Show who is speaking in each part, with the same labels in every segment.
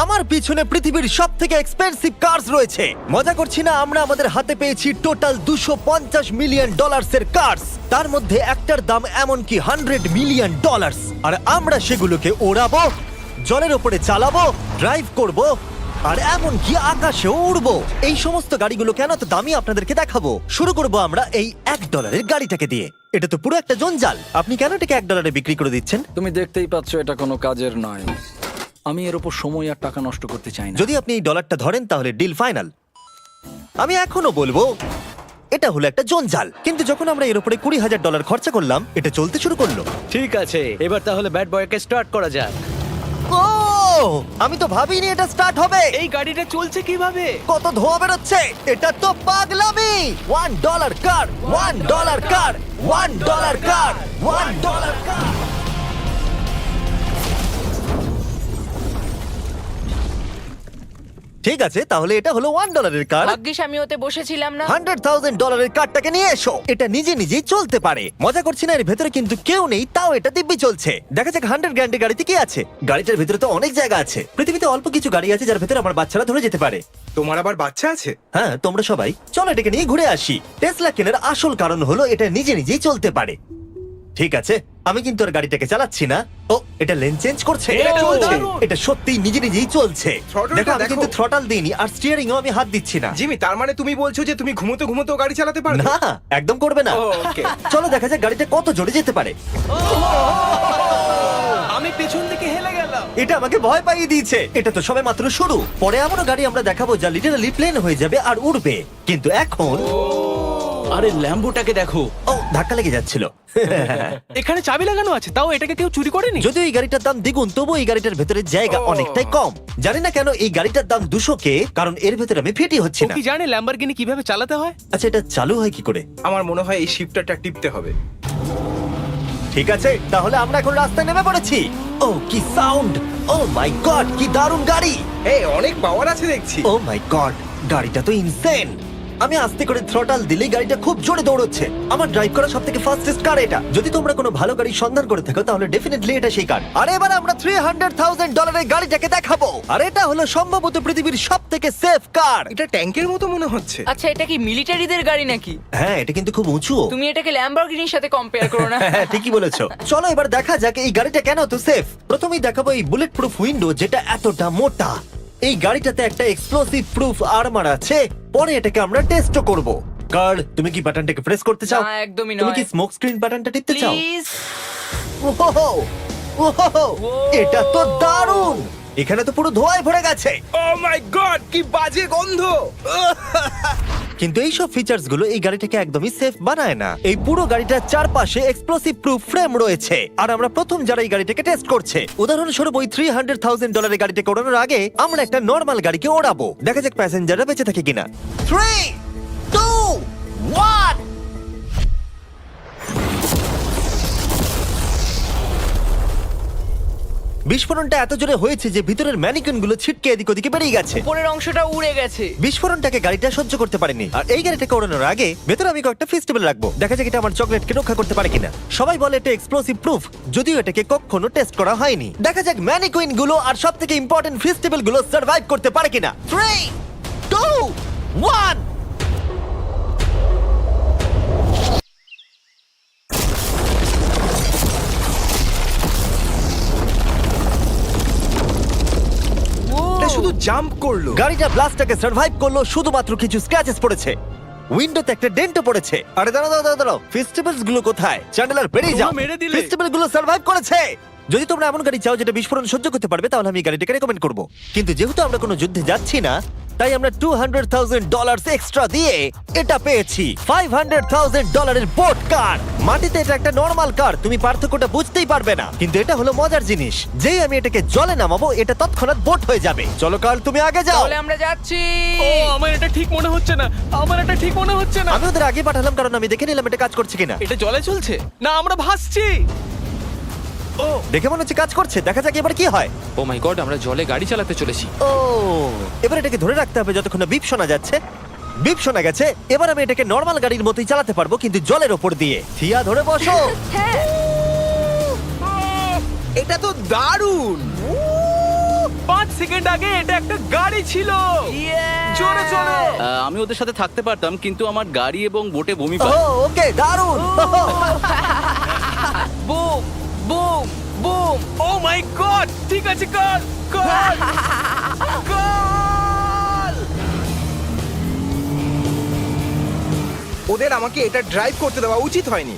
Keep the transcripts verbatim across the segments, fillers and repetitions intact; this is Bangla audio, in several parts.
Speaker 1: আমার পিছনে পৃথিবীর সব থেকে এক্সপেন্সিভ কার্স রয়েছে। মজা করছি না, আমরা আমাদের হাতে পেয়েছি টোটাল দুশো পঞ্চাশ মিলিয়ন ডলার্সের কার্স। তার মধ্যে একটার দাম এমনকি হান্ড্রেড মিলিয়ন ডলার্স। আর আমরা সেগুলোকে ওড়াবো, জলের ওপরে চালাবো, ড্রাইভ করব, আর এমনকি আকাশেও উড়বো। এই সমস্ত গাড়িগুলো কেন তো দামি আপনাদেরকে দেখাবো। শুরু করব আমরা এই এক ডলারের গাড়িটাকে দিয়ে। এটা তো পুরো একটা জঞ্জাল। আপনি কেন এটাকে এক ডলারে বিক্রি করে দিচ্ছেন?
Speaker 2: তুমি দেখতেই পাচ্ছ এটা কোনো কাজের নয়। আমি এর উপর সময় আর টাকা নষ্ট করতে চাই না।
Speaker 1: যদি আপনি এই ডলারটা ধরেন তাহলে ডিল ফাইনাল। আমি এখনো বলবো এটা হলো একটা জঞ্জাল, কিন্তু যখন আমরা এর উপরে কুড়ি হাজার ডলার খরচা করলাম এটা চলতে শুরু করলো।
Speaker 3: ঠিক আছে, এবার তাহলে ব্যাড বয়কে স্টার্ট করা যাক।
Speaker 1: ও, আমি তো ভাবিনি এটা স্টার্ট হবে।
Speaker 3: এই গাড়িটা চলছে কিভাবে?
Speaker 1: কত ধোঁয়া বেরোচ্ছে, এটা তো পাগলামি। One dollar car, one dollar car, one dollar car, one dollar car. ঠিক আছে, তাহলে এটা হলো ওয়ান ডলারের কার।
Speaker 4: ভাগ্যিস আমি ওতে বসেছিলাম না।
Speaker 1: হান্ড্রেড থাউজেন্ড ডলারের কারটাকে নিয়ে এসো। এটা নিজে নিজেই চলতে পারে। মজা করছি না, এর ভেতরে কিন্তু কেউ নেই, তাও এটা দিব্যি চলছে। দেখা যাক হান্ড্রেড গ্র্যান্ডের গাড়িতে কি আছে। গাড়িটার ভেতরে তো অনেক জায়গা আছে। পৃথিবীতে অল্প কিছু গাড়ি আছে যার ভেতরে আমার বাচ্চারা ধরে যেতে পারে।
Speaker 5: তোমার আবার বাচ্চা আছে?
Speaker 1: হ্যাঁ, তোমরা সবাই চলো এটাকে নিয়ে ঘুরে আসি। টেসলা কেনার আসল কারণ হলো এটা নিজে নিজেই চলতে পারে। ঠিক আছে, আমি কিন্তু আর গাড়িটাকে চালাচ্ছি না। ও, এটা লেন চেঞ্জ করছে।
Speaker 3: এটা চলছে।
Speaker 1: এটা সত্যিই নিজে নিজেই চলছে।
Speaker 5: Throttle-টা
Speaker 1: দেখো, আমি
Speaker 5: দেখো।
Speaker 1: কিন্তু থ্রটাল দিইনি আর স্টিয়ারিংও আমি হাত দিচ্ছি না।
Speaker 5: জিমি, তার মানে তুমি বলছো যে তুমি ঘুমোতে ঘুমোতেও গাড়ি চালাতে পারবে?
Speaker 1: না, একদম করবে না।
Speaker 5: ও, okay.
Speaker 1: চলো দেখা যাক গাড়িটা কত জোরে যেতে পারে।
Speaker 3: আমি পেছন থেকে হেলে গেলাম।
Speaker 1: এটা আমাকে ভয় পাইয়ে দিয়েছে। এটা তো সবে মাত্র শুরু। পরে এমনও গাড়ি আমরা দেখাবো যা লিটারালি প্লেন হয়ে যাবে আর উড়বে। কিন্তু এখন
Speaker 3: আরে ল্যাম্বোটাকে দেখো,
Speaker 1: ও, ধাক্কা লেগে যাচ্ছিল।
Speaker 3: এখানে চাবি লাগানো আছে, তাও এটাকে কেউ চুরি করেনি।
Speaker 1: যদিও এই গাড়িটার দাম দ্বিগুণ, তবু এই গাড়িটার ভেতরে জায়গা অনেকটাই কম। জানি না কেন এই গাড়িটার দাম দুশো কে, কারণ এর ভেতরে আমি ফিটি হচ্ছি
Speaker 3: ও
Speaker 1: না।
Speaker 3: কি জানে ল্যাম্বরগিনি কিভাবে চালাতে হয়?
Speaker 1: আচ্ছা, এটা চালু হয় কি করে?
Speaker 5: আমার মনে হয় এই শিফটারটা টিপতে হবে।
Speaker 1: ঠিক আছে, তাহলে আমরা এখন রাস্তায় নেমে পড়েছি। ও কি সাউন্ড! ও মাই গড, কি দারুণ গাড়ি!
Speaker 5: এই অনেক পাওয়ার আছে দেখছি।
Speaker 1: ও মাই গড, গাড়িটা তো ইনসেন। আমি আস্তে করে থ্রটাল দিলেই গাড়িটা খুব জোরে দৌড়চ্ছে। আমার ড্রাইভ করা সবথেকে ফাস্টেস্ট কার এটা। যদি তোমরা কোনো ভালো গাড়ির সন্ধান করে থাকো তাহলে ডেফিনেটলি এটা সেই কার। আর এবার আমরা থ্রি হান্ড্রেড থাউজেন্ড ডলারের গাড়িটাকে দেখাবো। আর এটা হলো সম্ভবত পৃথিবীর সবথেকে সেফ কার।
Speaker 5: এটা ট্যাঙ্কের মতো মনে হচ্ছে।
Speaker 4: আচ্ছা, এটা কি মিলিটারিদের গাড়ি নাকি?
Speaker 1: হ্যাঁ, এটা কিন্তু খুব উঁচু।
Speaker 4: তুমি এটাকে ল্যাম্বরগিনির সাথে কম্পেয়ার করো না।
Speaker 1: হ্যাঁ, ঠিকই বলেছো। চলো এবার দেখা যাক এই গাড়িটা কেন তো সেফ। প্রথমেই দেখাবো এই বুলেট প্রুফ উইন্ডো, যেটা এতটা মোটা। এই গাড়িটাতে একটা এক্সপ্লোসিভ প্রুফ আর্মার আছে। পরে এটাকে আমরা টেস্ট করব। কার, তুমি কি বাটনটাকে প্রেস করতে চাও?
Speaker 4: না, একদমই
Speaker 1: তুমি
Speaker 4: নয়।
Speaker 1: কি স্মোক স্ক্রিন বাটনটা টিপতে চাও?
Speaker 4: প্লিজ।
Speaker 1: ওহো, ওহো, এটা তো দারুণ। এখানে তো পুরো ধোঁয়ায় ভরে গেছে।
Speaker 5: ও মাই গড, কি বাজে গন্ধ!
Speaker 1: কিন্তু এই সব ফিচার্স গুলো এই গাড়িটাকে একদমই সেফ বানায় না। এই পুরো গাড়িটার চারপাশে এক্সপ্লোসিভ প্রুফ ফ্রেম রয়েছে। আর আমরা প্রথম যারা এই গাড়িটাকে টেস্ট করছে, উদাহরণস্বরূপ ওই থ্রি হান্ড্রেড থাউজেন্ড ডলারের গাড়িটাকে ওড়ানোর আগে আমরা একটা নর্মাল গাড়িকে ওড়াবো। দেখা যাক প্যাসেঞ্জাররা বেঁচে থাকে কিনা। Three, two, one. বিস্ফোরণটা এত জোরে হয়েছে যে ভিতরের ম্যানিকুইন গুলো ছিটকে এদিক ওদিকে বেরিয়ে গেছে।
Speaker 4: উপরের অংশটা উড়ে গেছে।
Speaker 1: বিস্ফোরণটাকে গাড়িটা সহ্য করতে পারেনি। আর এই গাড়িটাকে ওড়ানোর আগে ভেতরে আমি কয়েকটা ফেস্টিভ্যাল রাখবো। দেখা যাক এটা আমার চকলেটকে রক্ষা করতে পারে কিনা। সবাই বলে এটা এক্সপ্লোসিভ প্রুফ, যদিও এটাকে কখনো টেস্ট করা হয়নি। দেখা যাক ম্যানিকুইন গুলো আর সব থেকে ইম্পর্টেন্ট ফেস্টিভ্যাল গুলো সার্ভাইভ করতে পারে কিনা। Three, two, one.
Speaker 5: এটা শুধু জাম্প করলো।
Speaker 1: গাড়িটা ব্লাস্টটাকে সার্ভাইভ করলো, শুধুমাত্র কিছু স্ক্র্যাচেস পড়েছে। উইন্ডোতে একটা ডেন্টও পড়েছে। আরে দাঁড়াও দাঁড়াও দাঁড়াও, দাঁড়াও, ফেস্টিভ্যালস গুলো কোথায়? চ্যান্ডেলার বেরিয়ে যাও।
Speaker 3: তোমরা মেরে দিলে।
Speaker 1: ফেস্টিভ্যাল গুলো সার্ভাইভ করেছে। যদি তোমরা এমন গাড়ি চাও যেটা বিস্ফোরণ সহ্য করতে পারবে তাহলে আমি এই গাড়িটাকে রেকমেন্ড করব। কিন্তু যেহেতু আমরা কোনো যুদ্ধে যাচ্ছি না, তাই আমরা two hundred thousand dollar extra দিয়ে এটা পেয়েছি। ফাইভ হান্ড্রেড থাউজেন্ড ডলারের বোট কার। মাটিতে এটা একটা নর্মাল কার, তুমি পার্থক্যটা বুঝতেই পারবে না। কিন্তু এটা হলো মজার জিনিস, যেই আমি এটাকে জলে নামাবো এটা তৎক্ষণাৎ বোট হয়ে যাবে। চলো কার, তুমি আগে যাও।
Speaker 4: তাহলে আমরা যাচ্ছি।
Speaker 3: ও, আমার এটা ঠিক মনে হচ্ছে না, আমার এটা ঠিক মনে হচ্ছে না।
Speaker 1: আমি ওদের আগে পাঠালাম কারণ আমি দেখে নিলাম এটা কাজ করছে কিনা।
Speaker 3: এটা জলে চলছে না, আমরা ভাসছি। ও,
Speaker 1: দেখে মনে হচ্ছে কাজ করছে। দেখা যাক এবার কি হয়।
Speaker 6: ও মাই গড, আমরা জলে গাড়ি চালাতে চলেছি।
Speaker 1: ও, এবার এটাকে ধরে রাখতে হবে যতক্ষণ না বিপ শোনা যাচ্ছে। বিপ শোনা গেছে। এবার আমি এটাকে নর্মাল গাড়ির মতোই চালাতে পারবো, কিন্তু জলের ওপর দিয়ে। থিয়া, ধরে বসো।
Speaker 4: হ্যাঁ।
Speaker 5: এটা তো দারুণ।
Speaker 3: পাঁচ সেকেন্ড আগে এটা একটা গাড়ি ছিল। জোরে চলো।
Speaker 7: আহ, আমি ওদের সাথে থাকতে পারতাম কিন্তু আমার গাড়ি এবং বোটে বমি
Speaker 1: ও
Speaker 7: পায়।
Speaker 1: ওকে দারুণ
Speaker 4: boom boom boom.
Speaker 3: Oh my god, ঠিক আছে কর কর কর।
Speaker 5: ওদের আমাকে এটা ড্রাইভ করতে দেওয়া উচিত হয়নি।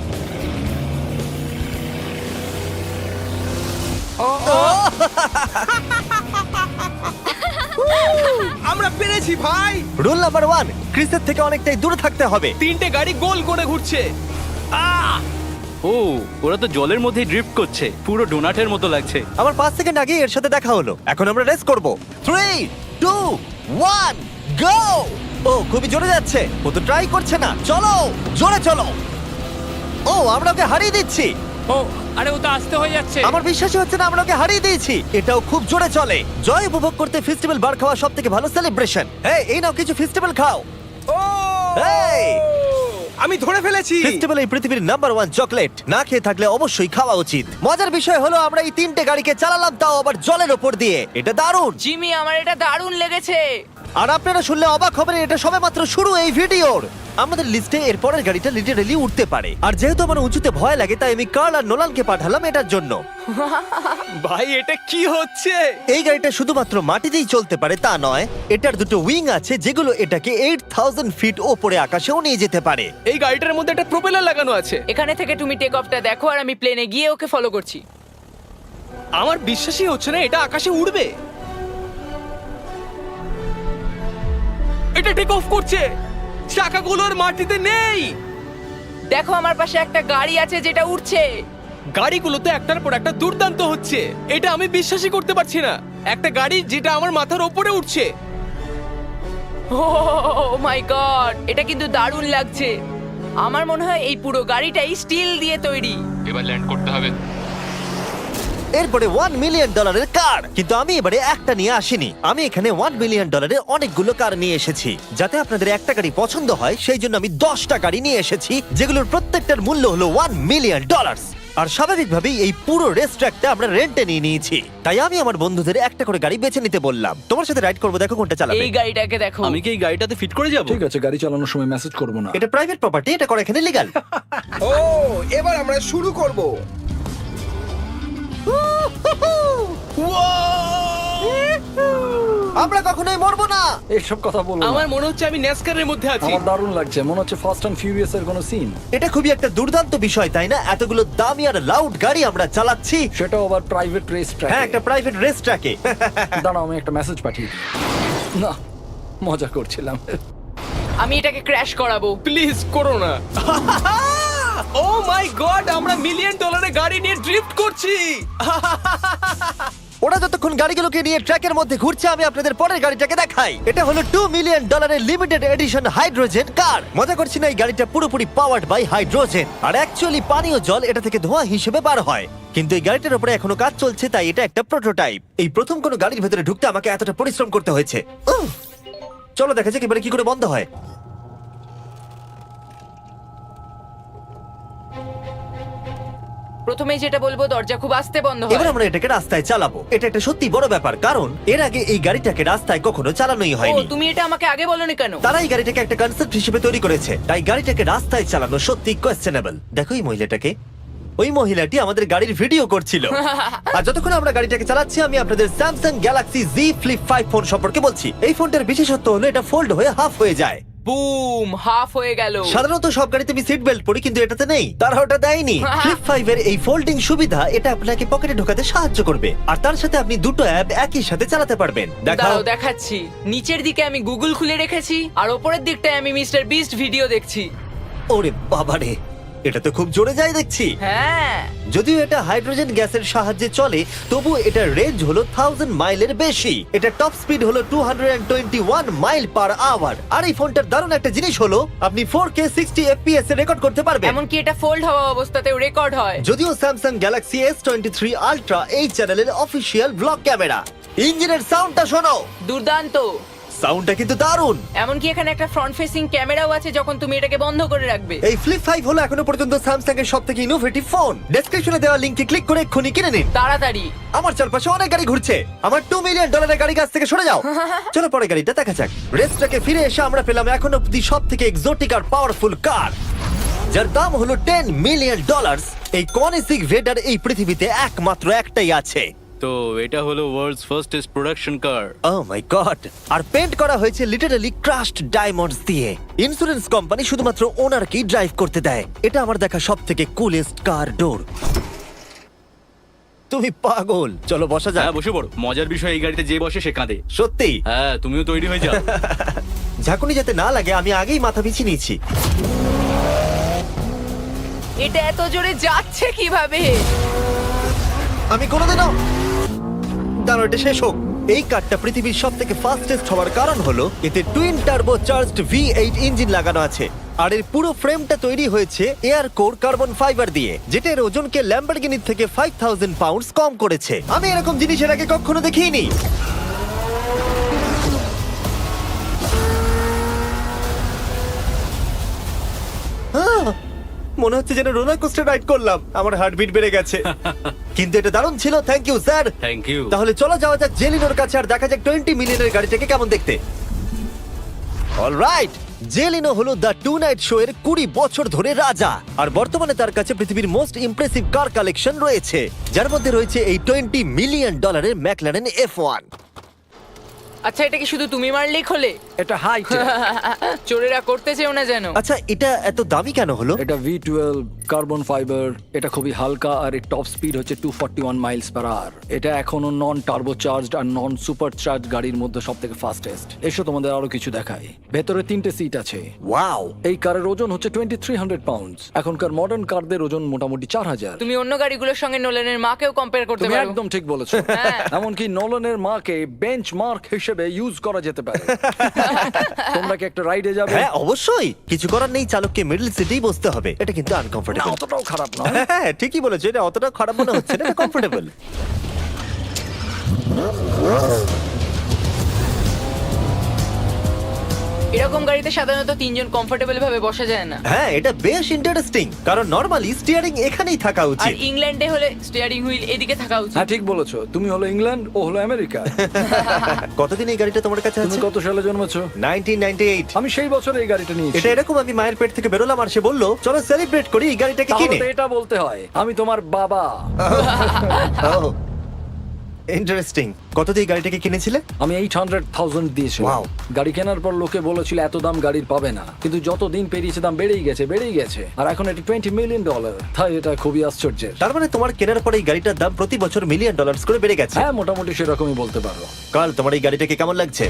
Speaker 5: আমরা পেরেছি ভাই।
Speaker 1: রুল নাম্বার ওয়ান, ক্রিসের থেকে অনেকটাই দূরে থাকতে হবে।
Speaker 3: তিনটে গাড়ি গোল করে ঘুরছে। আহ!
Speaker 7: ও ওরা তো জলের মধ্যেই ড্রিফট করছে, পুরো ডোনাটের মতো লাগছে।
Speaker 1: আমার পাঁচ সেকেন্ড আগে এর সাথে দেখা হলো। এখন আমরা রেস করব। Three two one go. ও খুবই জোরে যাচ্ছে, ও তো ট্রাই করছে না। চলো জোরে চলো। ও আমরা ওকে হারিয়ে দিচ্ছি।
Speaker 6: ও আরে ও তো আসতে হয়ে যাচ্ছে।
Speaker 1: আমার বিশ্বাসই হচ্ছে না আমরা ওকে হারিয়ে দিয়েছি। এটাও খুব জোরে চলে। জয় উপভোগ করতে ফেস্টিভ্যাল বার খাওয়া সব থেকে ভালো সেলিব্রেশন। এই এই নাও কিছু ফেস্টিভ্যাল খাও।
Speaker 5: ও
Speaker 1: এই!
Speaker 5: আমি ধরে ফেলেছি।
Speaker 1: ফেস্টিভ্যাল এই পৃথিবীর নাম্বার ওয়ান চকলেট। না খেয়ে থাকলে অবশ্যই খাওয়া উচিত। মজার বিষয় হলো আমরা এই তিনটে গাড়িকে চালালাম, তাও আবার জলের ওপর দিয়ে। এটা দারুণ।
Speaker 4: জিমি, আমার এটা দারুণ লেগেছে।
Speaker 1: আর আপনারা শুনলে অবাক হবেন, এটা সবেমাত্র শুরু এই ভিডিওর। আমাদের লিস্টে এর পরের গাড়িটা লিটারেলি উঠতে পারে। আর যেহেতু আমার উঁচুতে ভয় লাগে, তাই আমি কার্ল আর নোলানকে পাঠালাম এটার জন্য।
Speaker 3: ভাই এটা কি হচ্ছে?
Speaker 1: এই গাড়িটা শুধুমাত্র মাটিতেই চলতে পারে তা নয়, এটার দুটো উইং আছে যেগুলো এটাকে এইট থাউজেন্ড ফিট ওপরে আকাশেও নিয়ে যেতে পারে।
Speaker 3: এই গাড়িটার মধ্যে একটা প্রপেলার লাগানো আছে।
Speaker 4: এখানে থেকে তুমি টেক অফটা দেখো আর আমি প্লেনে গিয়ে ওকে ফলো করছি।
Speaker 3: আমার বিশ্বাসই হচ্ছে না এটা আকাশে উড়বে। এটা টেক অফ করছে, চাকাগুলোর মাটিতে নেই।
Speaker 4: দেখো আমার পাশে একটা গাড়ি আছে যেটা উঠছে।
Speaker 3: গাড়িগুলোতে একটার পর একটা দুর্দান্ত হচ্ছে। এটা আমি বিশ্বাসই করতে পারছি না, একটা গাড়ি যেটা আমার মাথার ওপরে উঠছে।
Speaker 4: ও মাই গড, এটা কিন্তু দারুণ লাগছে। আমার মনে হয় এই পুরো গাড়িটাই স্টিল দিয়ে তৈরি।
Speaker 6: এবার ল্যান্ড করতে হবে।
Speaker 1: এরপরে ওয়ান মিলিয়ন ডলারের কার। কিন্তু আমি এবারে একটা নিয়ে আসিনি, আমি এখানে ওয়ান মিলিয়ন ডলারের অনেকগুলো কার নিয়ে এসেছি। যাতে আপনাদের একটা গাড়ি পছন্দ হয় সেই জন্য আমি দশটা গাড়ি নিয়ে এসেছি, যেগুলোর প্রত্যেকটার মূল্য হলো ওয়ান মিলিয়ন ডলার। আর স্বাভাবিকভাবেই এই পুরো রেস ট্র্যাকটা আমরা রেন্টে নিয়ে নিয়েছি। তাই আমি আমার বন্ধুদের একটা করে গাড়ি বেছে নিতে বললাম। তোমার সাথে রাইড করবো, দেখো কোনটা চালাবে।
Speaker 4: এই গাড়িটাকে দেখো।
Speaker 7: আমি কি এই গাড়িটাতে ফিট করে যাব?
Speaker 2: ঠিক আছে, গাড়ি চালানোর সময় মেসেজ করবো না।
Speaker 1: এটা প্রাইভেট প্রপার্টি, এটা করা এখানে লিগ্যাল।
Speaker 5: ও এবার আমরা শুরু করব।
Speaker 1: আমরা কখনোই মরবো না।
Speaker 2: এইসব কথা বলবো না।
Speaker 3: আমার মনে হচ্ছে আমি ন্যাসকারের মধ্যে আছি।
Speaker 2: আমার দারুণ লাগছে, মনে হচ্ছে ফাস্ট অ্যান্ড ফিউরিয়াস এর কোনো সিন।
Speaker 1: এটা খুবই একটা দুর্দান্ত বিষয়, তাই না? এতগুলো দামি আর লাউড গাড়ি আমরা চালাচ্ছি।
Speaker 2: সেটাও আবার প্রাইভেট রেস ট্র্যাক।
Speaker 1: হ্যাঁ, একটা প্রাইভেট রেস ট্র্যাকে।
Speaker 2: দাঁড়াও, আমি একটা মেসেজ পাঠিয়ে দিই। না, মজা করছিলাম।
Speaker 4: আমি এটাকে ক্র্যাশ করাবো।
Speaker 3: প্লিজ করো না। ও মাই গড, আমরা মিলিয়ন ডলারের গাড়ি নিয়ে ড্রিফট করছি।
Speaker 1: ওরা যতক্ষণ গাড়িগুলোকে নিয়ে ট্র্যাকের মধ্যে ঘুরছে, আমি আপনাদের পরের গাড়িটাকে দেখাই। এটা হলো টু মিলিয়ন ডলারের লিমিটেড এডিশন হাইড্রোজেন কার। মজা করছি না, এই গাড়িটা পুরোপুরি পাওয়ার্ড বাই হাইড্রোজেন। আর অ্যাকচুয়ালি পানীয় জল এটা থেকে ধোঁয়া হিসেবে বার হয়। কিন্তু এই গাড়িটার উপরে এখনো কাজ চলছে, তাই এটা একটা প্রোটোটাইপ। এই প্রথম কোনো গাড়ির ভেতরে ঢুকতে আমাকে এতটা পরিশ্রম করতে হয়েছে। উফ! চলো দেখা যাক এবারে কি করে বন্ধ হয়।
Speaker 4: প্রথমেই যেটা বলবো, দরজা খুব আস্তে বন্ধ হয়।
Speaker 1: এবার আমরা এটাকে রাস্তায় চালাবো। এটা একটা সত্যি বড় ব্যাপার, কারণ এর আগে এই গাড়িটাকে রাস্তায় কখনো চালানোই
Speaker 4: ও,
Speaker 1: হয়নি।
Speaker 4: তুমি এটা আমাকে আগে বলনি কেন?
Speaker 1: তারা এই গাড়িটাকে একটা কনসেপ্ট হিসেবে তৈরি করেছে, তাই গাড়িটাকে রাস্তায় চালানো সত্যি কোয়েশ্চেনেবল। দেখো এই মহিলাটাকে, ওই মহিলাটি আমাদের গাড়ির ভিডিও করছিল। আর যতক্ষণ আমরা গাড়িটাকে চালাচ্ছি, আমি আপনাদের Samsung Galaxy Z Flip five phone সম্পর্কে বলছি। এই ফোনটার বিশেষত্ব হলো এটা ফোল্ড হয়ে হাফ হয়ে যায়।
Speaker 4: বুম, হাফ হয়ে গেল।
Speaker 1: সাধারণত সব গাড়িতে আমি সিট বেল্ট পরি, কিন্তু এটাতে নেই। তারা ওটা দেয়নি। ফ্লিপ ফাইভ এর এই ফোল্ডিং সুবিধা, এটা আপনাকে পকেটে ঢোকাতে সাহায্য করবে। আর তার সাথে আপনি দুটো অ্যাপ একই সাথে চালাতে পারবেন। দেখাও।
Speaker 4: দাঁড়াও দেখাচ্ছি। নিচের দিকে আমি গুগল খুলে রেখেছি, আর ওপরের দিকটায় আমি মিস্টার বিস্ট ভিডিও দেখছি।
Speaker 1: ওরে বাবারে, এটা তো খুব জোরে যায় দেখছি।
Speaker 4: হ্যাঁ,
Speaker 1: যদিও এটা হাইড্রোজেন গ্যাসের সাহায্যে চলে, তবু এটার রেঞ্জ হলো থাউজেন্ড মাইলের বেশি। এটা টপ স্পিড হলো two twenty one mile per hour. আর এই ফোনটার দারুণ একটা জিনিস হলো, আপনি ফোর কে সিক্সটি এফপিএস এ রেকর্ড করতে পারবেন।
Speaker 4: এমনকি এটা ফোল্ড হওয়া অবস্থাতেও রেকর্ড হয়।
Speaker 1: যদিও Samsung Galaxy S twenty three Ultra এই চ্যানেলের অফিসিয়াল ব্লগ ক্যামেরা। ইঞ্জিনের সাউন্ডটা শোনো।
Speaker 4: দুর্দান্ত।
Speaker 1: সাউন্ডটা কিন্তু দারুণ।
Speaker 4: এমনকি এখানে একটা ফ্রন্ট ফেসিং ক্যামেরাও আছে যখন তুমি এটাকে বন্ধ করে রাখবে।
Speaker 1: এই ফ্লিপ ফাইভ হলো এখনো পর্যন্ত স্যামসাং এর সব থেকে ইনোভেটিভ ফোন। ডেসক্রিপশনে দেওয়া লিংকে ক্লিক করে এক্ষুনি কিনে নিন।
Speaker 4: তাড়াতাড়ি।
Speaker 1: আমার চারপাশে অনেক গাড়ি ঘুরছে। আমার টু মিলিয়ন ডলারের গাড়ি কাছ থেকে সরে যাও। চলো পরে গাড়িটা দেখা যাক। রেসটাকে ফিরে এসে আমরা পেলাম এখন অব্দি সব থেকে এক্সোটিক আর পাওয়ারফুল কার, যার দাম হলো টেন মিলিয়ন ডলার। এই কনিসিক ভেডার এই পৃথিবীতে একমাত্র একটাই আছে।
Speaker 7: তো এটা হলো world's fastest production car.
Speaker 1: Oh my god! আর পেন্ট করা হয়েছে লিটারালি ক্রাশড ডায়মন্ডস দিয়ে। ইন্স্যুরেন্স কোম্পানি শুধুমাত্র ওনারকেই ড্রাইভ করতে দেয়। এটা আমার দেখা সব থেকে কুলেস্ট কার ডোর। তুমি পাগল। চলো বসা যাক।
Speaker 7: হ্যাঁ বসে পড়ো। মজার বিষয় এই গাড়িতে যে বসে সে কাঁদে।
Speaker 1: সত্যি?
Speaker 7: হ্যাঁ তুমিও তৈরি হয়ে যাও।
Speaker 1: ঝাঁকুনি যাতে না লাগে আমি আগেই মাথা পিছিয়ে নিয়েছি।
Speaker 4: এটা এত জোরে যাচ্ছে কিভাবে?
Speaker 1: আমি কোনোদিনও দাঁড়ো, এটা শেষ হোক। এই কারটা পৃথিবীর সব থেকে ফাস্টেস্ট হওয়ার কারণ হলো এতে twin turbo charged V eight engine লাগানো আছে। আর এর পুরো ফ্রেমটা তৈরি হয়েছে এয়ার কোর কার্বন ফাইবার দিয়ে, যেটা এর ওজনকে ল্যাম্বরগিনির থেকে ফাইভ থাউজেন্ড পাউন্ডস কম করেছে। আমি এরকম জিনিস এর আগে কখনো দেখিনি। আহ! মনে হচ্ছে যেন রোলার কোস্টার রাইড করলাম। আমার হার্টবিট বেড়ে গেছে। কিন্তু এটা দারুণ ছিল। Thank you sir.
Speaker 7: Thank you.
Speaker 1: তাহলে চলো যাওয়া যাক জেলিনোর কাছে আর দেখা যাক টোয়েন্টি মিলিয়নের গাড়িটাকে কেমন দেখতে। অলরাইট, জেলিনো হলো দ্য টু নাইট শো এর কুড়ি বছর ধরে রাজা। আর বর্তমানে তার কাছে পৃথিবীর মোস্ট ইমপ্রেসিভ কার কালেকশন রয়েছে, যার মধ্যে রয়েছে এই টোয়েন্টি মিলিয়ন ডলারের ম্যাকলারেন এফ ওয়ান।
Speaker 4: আচ্ছা, এটা কি শুধু তুমি মারলেই খোলে?
Speaker 2: এটা হাই
Speaker 4: চোরেরা করতে চেও না যেন।
Speaker 1: আচ্ছা, এটা এত দামি কেন হলো?
Speaker 2: এটা ভি টুয়েলভ কার্বন ফাইবার। এটা খুবই হালকা আর এর টপ স্পিড হচ্ছে two forty one miles per hour. এটা এখনো নন টার্বো চার্জড আর নন সুপার চার্জ গাড়ির মধ্যে সব থেকে ফাস্টেস্ট। এসো তোমাদের আরো কিছু দেখাই। ভেতরে তিনটে সিট আছে।
Speaker 1: ওয়াও!
Speaker 2: এই কারের ওজন হচ্ছে টোয়েন্টি থ্রি হান্ড্রেড পাউন্ডস। এখনকার মডার্ন কারদের ওজন মোটামুটি চার হাজার।
Speaker 4: তুমি অন্য গাড়িগুলোর সঙ্গে নোলানের মাকেও কম্পেয়ার করতে
Speaker 2: তুমি
Speaker 4: পারো।
Speaker 2: একদম ঠিক বলেছো।
Speaker 4: হ্যাঁ।
Speaker 2: এমনকি নোলানের মাকে বেঞ্চ মার্ক হিসেবে ইউজ করা যেতে পারে। তোমরা কি একটা রাইডে যাবে?
Speaker 1: হ্যাঁ অবশ্যই। কিছু করার নেই, চালককে মিডল সিটেই বসতে হবে। এটা কিন্তু
Speaker 2: না,
Speaker 1: আনকমফোর্টেবল।
Speaker 2: অতটাও খারাপ নয়।
Speaker 1: হ্যাঁ ঠিকই বলেছো, এটা অতটা খারাপ মনে হচ্ছে না, এটা কমফোর্টেবল।
Speaker 4: এরকম গাড়িতে সাধারণত তিনজন কমফোর্টেবল ভাবে বসা যায় না।
Speaker 1: হ্যাঁ এটা বেশ ইন্টারেস্টিং, কারণ নরমালি স্টিয়ারিং এখানেই থাকা
Speaker 4: আর
Speaker 1: উচিত।
Speaker 4: ইংল্যান্ডে হলে স্টিয়ারিং হুইল এদিকে থাকা উচিত।
Speaker 2: হ্যাঁ ঠিক বলেছো। তুমি হলো ইংল্যান্ড, ও হলো আমেরিকা।
Speaker 1: কতদিন এই গাড়িটা তোমার কাছে
Speaker 2: তুমি
Speaker 1: আছে?
Speaker 2: কত সালে জন্মেছো?
Speaker 1: Nineteen ninety eight.
Speaker 2: আমি সেই বছর এই গাড়িটা নিয়েছি।
Speaker 1: এটা এরকম আমি মায়ের পেট থেকে বেরোলাম আর সে বললো চলো সেলিব্রেট করি এই গাড়িটাকে
Speaker 2: তাহলে
Speaker 1: কিনে।
Speaker 2: তো এটা বলতে হয় আমি তোমার বাবা।
Speaker 1: ইন্টারেস্টিং। কত দিয়ে এই গাড়িটাকে কিনেছিলে?
Speaker 2: আমি এইট হান্ড্রেড থাউজেন্ড দিয়েছিলাম।
Speaker 1: Wow.
Speaker 2: গাড়ি কেনার পর লোকে বলেছিল এত দাম গাড়ির পাবে না, কিন্তু যত দিন পেরিয়েছে দাম বেড়েই গেছে বেড়েই গেছে আর এখন এটা টোয়েন্টি মিলিয়ন ডলার। তাই এটা খুবই আশ্চর্যের।
Speaker 1: তার মানে তোমার কেনার পরে এই গাড়িটার দাম প্রতি বছর মিলিয়ন ডলার করে বেড়ে গেছে।
Speaker 2: হ্যাঁ মোটামুটি সেরকমই বলতে পারো।
Speaker 1: কাল তোমার এই গাড়িটাকে কেমন লাগছে?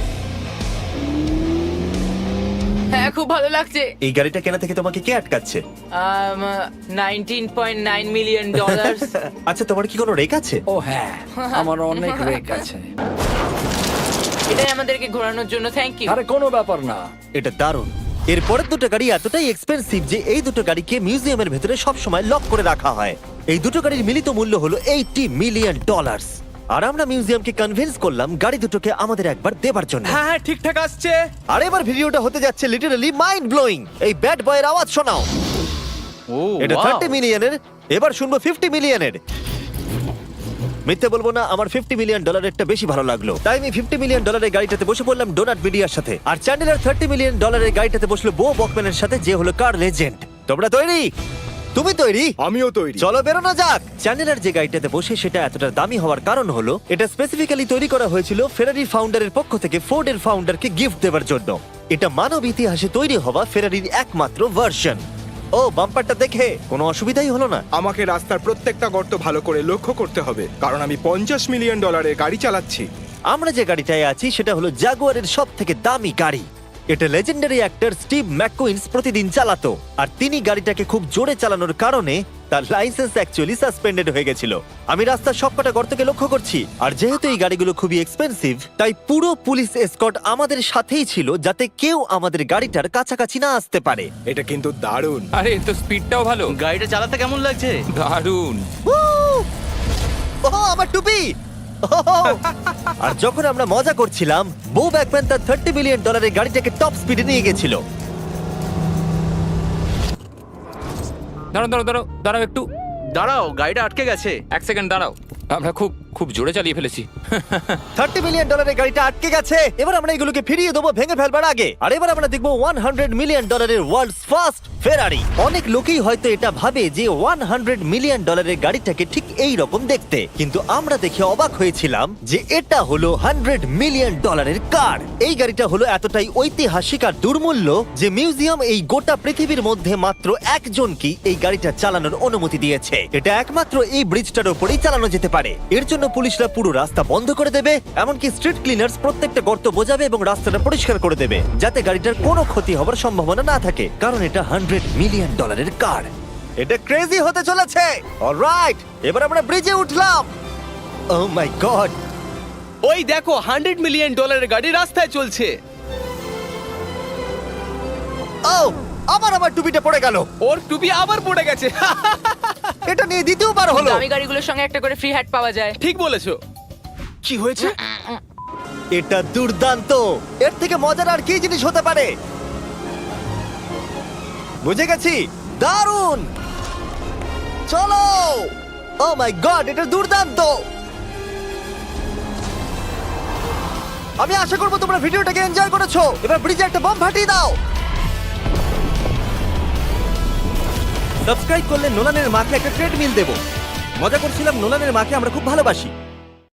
Speaker 4: হ্যাঁ খুব ভালো লাগছে।
Speaker 1: এই গাড়িটা কেনা থেকে তোমাকে কে আটকাচ্ছে?
Speaker 4: Nineteen point nine million dollar.
Speaker 1: আচ্ছা তোমার কি কোনো রেক আছে?
Speaker 2: ও হ্যাঁ, আমার অনেক রেক আছে।
Speaker 4: এটাই আমাদেরকে ঘোরানোর জন্য থ্যাংক ইউ।
Speaker 2: আরে কোনো ব্যাপার না।
Speaker 1: এটা দারুণ। এর পরের দুটো গাড়ি এতটাই এক্সপেন্সিভ যে এই দুটো গাড়িকে মিউজিয়ামের ভেতরে সব সময় লক করে রাখা হয়। এই দুটো গাড়ির মিলিত মূল্য হলো এইটি মিলিয়ন ডলার। আর আমরা মিউজিয়ামকে কনভিন্স করলাম গাড়ি দুটোকে আমাদের একবার দেবার জন্য।
Speaker 3: হ্যাঁ হ্যাঁ ঠিকঠাক আসছে।
Speaker 1: আর এবার ভিডিওটা হতে যাচ্ছে লিটারালি মাইন্ড ব্লোয়িং। এই ব্যাড বয়ের আওয়াজ শোনাও।
Speaker 7: ও
Speaker 1: এটা
Speaker 7: wow!
Speaker 1: থার্টি মিলিয়নের, এবার শুনবো ফিফটি মিলিয়নের। মিথ্যে বলবো না, আমার ফিফটি মিলিয়ন ডলারেরটা বেশি ভালো লাগলো, তাই আমি ফিফটি মিলিয়ন ডলারের গাড়িটাতে বসে পড়লাম ডোনাট মিডিয়ার সাথে। আর চ্যান্ডেলার থার্টি মিলিয়ন ডলারের গাড়িটাতে বসলো বো বকম্যানের সাথে, যে হলো কার লেজেন্ড। তোমরা তৈরি? তুমি তৈরি?
Speaker 5: আমিও তৈরি।
Speaker 1: চলো বেরোনো যাক। চ্যান্ডেলার যে গাড়িটাতে বসে সেটা এতটা দামি হওয়ার কারণ হলো এটা স্পেসিফিক্যালি তৈরি করা হয়েছিল ফেরারি ফাউন্ডারের পক্ষ থেকে ফোর্ডের ফাউন্ডারকে গিফট দেওয়ার জন্য। এটা মানব ইতিহাসে তৈরি হওয়া ফেরারির একমাত্র ভার্সন। ও বাম্পারটা দেখে কোনো অসুবিধাই হলো না।
Speaker 5: আমাকে রাস্তার প্রত্যেকটা গর্ত ভালো করে লক্ষ্য করতে হবে, কারণ আমি পঞ্চাশ মিলিয়ন ডলারের গাড়ি চালাচ্ছি।
Speaker 1: আমরা যে গাড়িটায় আছি সেটা হলো জাগুয়ারের সব থেকে দামি গাড়ি। এটা লেজেন্ডারি অ্যাক্টর স্টিভ ম্যাককুইন্স প্রতিদিন চালাতো, আর তিনি গাড়িটাকে খুব জোরে চালানোর কারণে তার লাইসেন্স অ্যাকচুয়ালি সাসপেন্ডেড হয়ে গেছিল। আমি রাস্তার সবকটা গর্তকে লক্ষ্য করছি, আর যেহেতু এই গাড়িগুলো খুবই এক্সপেন্সিভ তাই পুরো পুলিশ এসকর্ট আমাদের সাথেই ছিল, যাতে কেউ আমাদের গাড়িটার কাছাকাছি না আসতে পারে।
Speaker 5: এটা কিন্তু দারুণ।
Speaker 6: আরে এর তো স্পিডটাও ভালো।
Speaker 7: গাড়িটা চালাতে কেমন লাগছে?
Speaker 6: দারুণ।
Speaker 1: ও আমার টুপি! আর যখন আমরা মজা করছিলাম, বো ব্যাকম্যান তার থার্টি মিলিয়ন ডলারের গাড়িটাকে টপ স্পিডে নিয়ে গেছিল।
Speaker 6: দাঁড়াও দাঁড়াও দাঁড়াও দাঁড়াও একটু
Speaker 7: দাঁড়াও, গাড়িটা আটকে গেছে।
Speaker 6: এক সেকেন্ড দাঁড়াও, আমরা খুব খুব জোরে চালিয়ে ফেলেছি।
Speaker 1: থার্টি মিলিয়ন ডলারের গাড়িটা আটকে গেছে। এবার আমরা এগুলোকে ফিরিয়ে দেবো ভেঙে ফেলবার আগে। আর এবার আমরা দেখবো ওয়ান হান্ড্রেড মিলিয়ন ডলারের ওয়ার্ল্ডস ফার্স্ট ফেরারি। অনেক লোকেই হয়তো এটা ভাবে যে ওয়ান হান্ড্রেড মিলিয়ন ডলারের গাড়িটাকে ঠিক এই রকম দেখতে, কিন্তু আমরা দেখে অবাক হয়েছিলাম যে এটা হলো হান্ড্রেড মিলিয়ন ডলারের কার। এই গাড়িটা হলো এতটাই ঐতিহাসিক আর দুর্মূল্য যে মিউজিয়াম এই গোটা পৃথিবীর মধ্যে মাত্র একজনকেই এই গাড়িটা চালানোর অনুমতি দিয়েছে। এটা একমাত্র এই ব্রিজটার উপরেই চালানো যেতে পারে। এর জন্য পুলিশরা পুরো রাস্তা বন্ধ করে দেবে, এমনকি স্ট্রিট ক্লিনার্স প্রত্যেকটা গর্ত বোঝাবে এবং রাস্তাটা পরিষ্কার করে দেবে, যাতে গাড়িটার কোনো ক্ষতি হবার সম্ভাবনা না থাকে, কারণ এটা হান্ড্রেড মিলিয়ন ডলারের কার। এটা ক্রেজি হতে চলেছে। অলরাইট, এবার আমরা ব্রিজে উঠলাম। ও মাই গড,
Speaker 3: ওই দেখো হান্ড্রেড মিলিয়ন ডলারের গাড়ি রাস্তায় চলছে।
Speaker 1: ও আবার আমার টুপিটা পড়ে গেল।
Speaker 3: ওর টুপি আবার পড়ে গেছে।
Speaker 1: এটা নিয়ে দ্বিতীয়বার হলো।
Speaker 4: দামি গাড়িগুলোর সঙ্গে একটা করে ফ্রি হ্যাট পাওয়া যায়।
Speaker 3: ঠিক বলেছো। কি হয়েছে?
Speaker 1: এটা দুর্দান্ত। এর থেকে মজার আর কি জিনিস হতে পারে? বুঝে গেছি, দারুণ। চলো। ও মাই গড, এটা দুর্দান্ত। আমি আশা করবো তোমরা ভিডিওটাকে এনজয় করেছো। এবার ব্রিজে একটা বম ফাটিয়ে দাও। সাবস্ক্রাইব করলে নোলানের মাকে একটা ট্রেডমিল দেবো। মজা করছিলাম, নোলানের মাকে আমরা খুব ভালোবাসি।